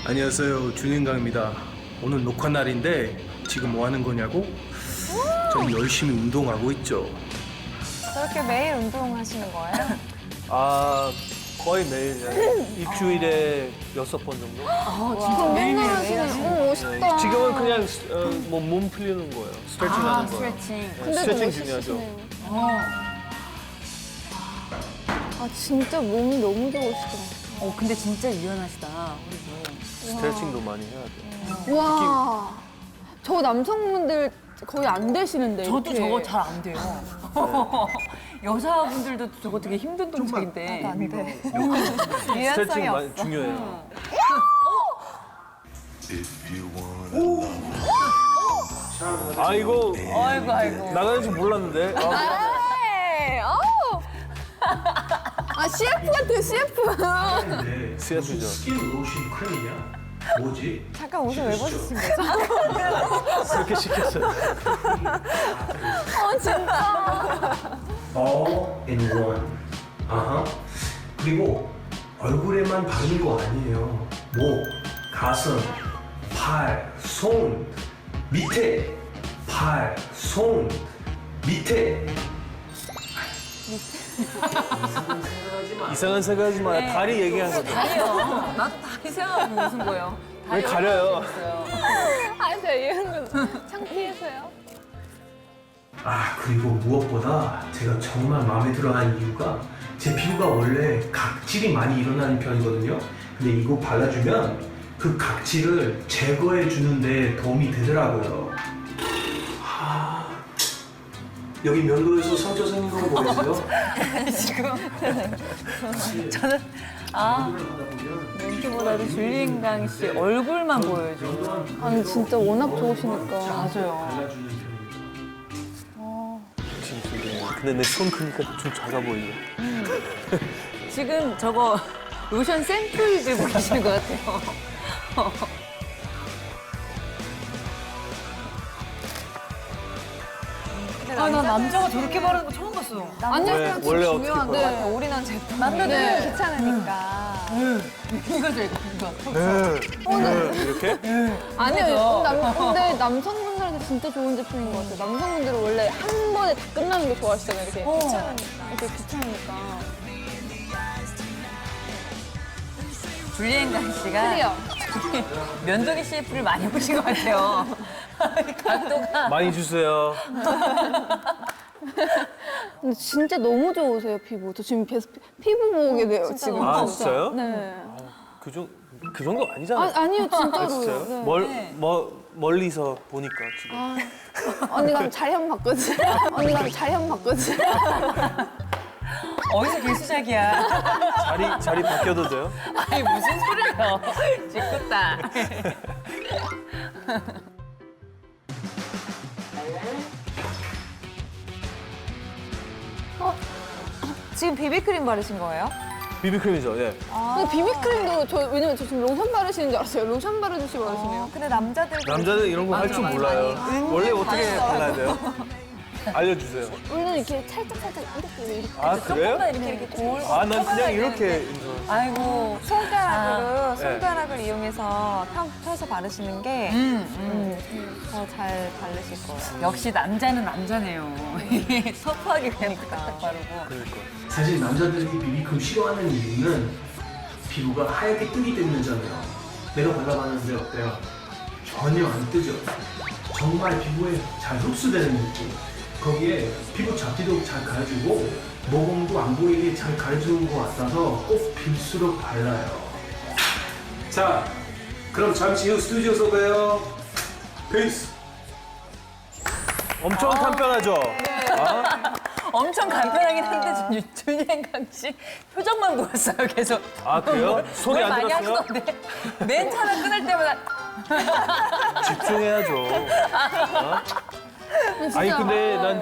안녕하세요, 준인강입니다. 오늘 녹화 날인데 지금 뭐 하는 거냐고? 좀 열심히 운동하고 있죠. 저렇게 매일 운동하시는 거예요? 아, 거의 매일 일주일에 6번 정도? 진짜 맨날 하시는. 멋있다. 지금은 그냥 뭐 몸 풀리는 거예요. 스트레칭 하는 거예요. 스트레칭. 네, 스트레칭 중요하죠. 아 진짜 몸이 너무 좋으시더라고요. 근데 진짜 유연하시다. 스트레칭도 많이 해야 돼요. 와, 저 남성분들 거의 안 되시는데. 저도 이렇게. 저거 잘 안 돼요. 여자분들도 저거 되게 힘든 동작인데. 안 돼. 스트레칭 많이 중요해요. 아이고, 아이고 아이고. 나가는 줄 몰랐는데. 에이, 어우. 아 CF 같아 CF. 근데 CF죠. 스킨 로션 크림이냐? 뭐지? 잠깐 옷을 왜 벗으신 거죠? 그렇게 시켰어요. 진짜. All in one. 아하. 그리고 얼굴에만 바르는 거 아니에요. 목, 가슴, 팔, 손, 밑에, 팔, 손, 밑에. 이상한 생각하지 마. 다리 얘기한 거죠. 다리요. 나도 다리 생각하고 웃은 거예요. 왜 가려요? 아 제가 이런 거 창피해서요. 아, 그리고 무엇보다 제가 정말 마음에 들어하는 이유가 제 피부가 원래 각질이 많이 일어나는 편이거든요. 근데 이거 발라주면 그 각질을 제거해 주는데 도움이 되더라고요. 아, 여기 면도에서 상처 생긴 거 보이세요? 지금 저는 멘트보다도 줄리엔강 씨 얼굴만 보여줘. 아니 진짜 워낙 좋으시니까. 맞아요. 발라주는 편입니다. 근데 내 손 크니까 좀 작아 보이네. 지금 저거 로션 샘플 들고 계시는 것 같아요. 아, 나 남자가 저렇게 바르는 거 처음 봤어. 아니요, 원래 어떻게 중요한데 봐요? 올인한 제품. 남자들은 귀찮으니까. 이거죠, 이거. 이렇게? 아니요, 근데 남성분들한테 진짜 좋은 제품인 것 같아요. 남성분들은 원래 한 번에 다 끝나는 거 좋아하시잖아요. 이렇게 귀찮으니까. 이렇게 귀찮으니까. 줄리엔강 씨가 클리어. 면도기 CF를 많이 보신 것 같아요. 각도가. 많이 주세요. 근데 진짜 너무 좋으세요, 피부. 저 지금 계속 피부 보게 돼요, 지금. 아, 진짜요? 네. 그 정도 아니잖아요. 아니요, 진짜로요. 아, 진짜요? 네. 멀리서 보니까 지금. 언니가 자리 한 번 바꾸지. 언니가 자리 한 번 바꾸지. 어디서 개수작이야. 자리 바뀌어도 돼요? 아니, 무슨 소리예요. 짓궂다. 지금 비비크림 바르신 거예요? 비비크림이죠, 예. 근데 비비크림도 왜냐면 저 지금 로션 바르시는 줄 알았어요. 로션 바르듯이 바르시네요. 근데 남자들 남자는 이런 거 할 줄 몰라요. 원래 어떻게 발라야 돼요? 알려주세요. 원래는 이렇게 살짝 이렇게. 아, 그래요? 이렇게 돌. 아, 난 그냥 이렇게. 아이고. 손가락을 이용해서 펴서 바르시는 게 더 잘 바르실 거예요. 역시 남자는 남자네요. 터프하게 그냥 딱딱 바르고. 그러니까. 사실 남자들이 비비크림 싫어하는 이유는 피부가 하얗게 뜨기 때문이잖아요. 내가 발라봤는데 어때요? 전혀 안 뜨죠. 정말 피부에 잘 흡수되는 느낌. 거기에 피부 잡티도 잘 가려주고 모공도 안 보이게 잘 가려주는 것 같아서 꼭 빌수록 발라요. 자, 그럼 잠시 후 스튜디오에서 봬요. 페이스. 엄청 간편하죠? 엄청 간편하긴 한데 줄리엔강 씨 표정만 보였어요 계속. 아, 그래요? 손이 뭘 안 많이 들었어요? 하시던데 멘트 하나 끊을 때마다 집중해야죠. 아니, 근데 난